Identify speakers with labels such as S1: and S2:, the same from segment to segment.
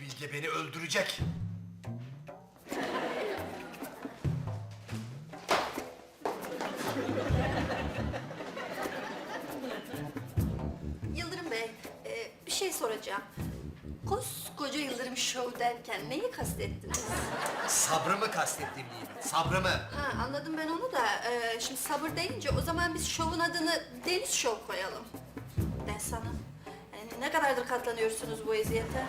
S1: Bilge beni öldürecek.
S2: Yıldırım Bey, bir şey soracağım. Koskoca Yıldırım Show derken neyi kastettiniz?
S1: Sabrımı kastettiğim Nimet, sabrımı.
S2: Ha, anladım ben onu da. Şimdi sabır deyince o zaman biz şovun adını Deniz Show koyalım. Ben sana. Yani ne kadardır katlanıyorsunuz bu eziyete?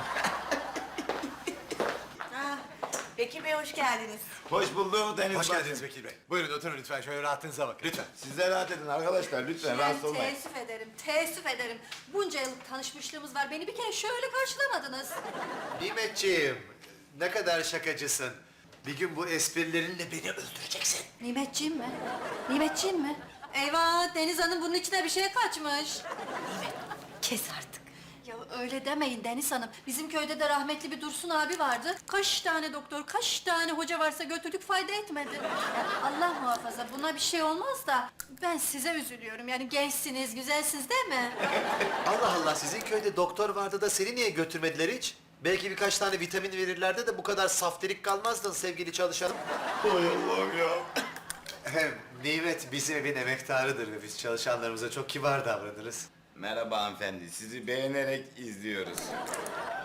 S3: Bekir Bey hoş geldiniz.
S4: Hoş bulduk Deniz
S1: Hoş
S4: Bacım.
S1: geldiniz Bekir Bey. Buyurun oturun lütfen, şöyle rahatınıza bakın. Lütfen.
S4: Siz de rahat edin arkadaşlar lütfen rahatsız
S2: Ben
S4: olmayın.
S2: teessüf ederim, teessüf ederim. Bunca yıllık tanışmışlığımız var. Beni bir kere şöyle karşılamadınız.
S1: Nimetciğim, ne kadar şakacısın. Bir gün bu esprilerinle beni öldüreceksin.
S2: Nimetciğim mi? Nimetciğim mi? Eyvah, Deniz Hanım bunun içine bir şey kaçmış.
S3: Kes artık.
S2: Ya öyle demeyin Deniz Hanım. Bizim köyde de rahmetli bir Dursun abi vardı. Kaç tane doktor, kaç tane hoca varsa götürdük fayda etmedi. Allah muhafaza buna bir şey olmaz da ben size üzülüyorum. Yani gençsiniz, güzelsiniz değil mi?
S1: Allah Allah, sizin köyde doktor vardı da seni niye götürmediler hiç? Belki birkaç tane vitamin verirlerdi de bu kadar saftirik kalmazdın sevgili çalışanım.
S4: Hay Allah'ım ya.
S1: Hem Nimet bizim evin emektarıdır ve biz çalışanlarımıza çok kibar davranırız.
S4: Merhaba hanımefendi sizi beğenerek izliyoruz.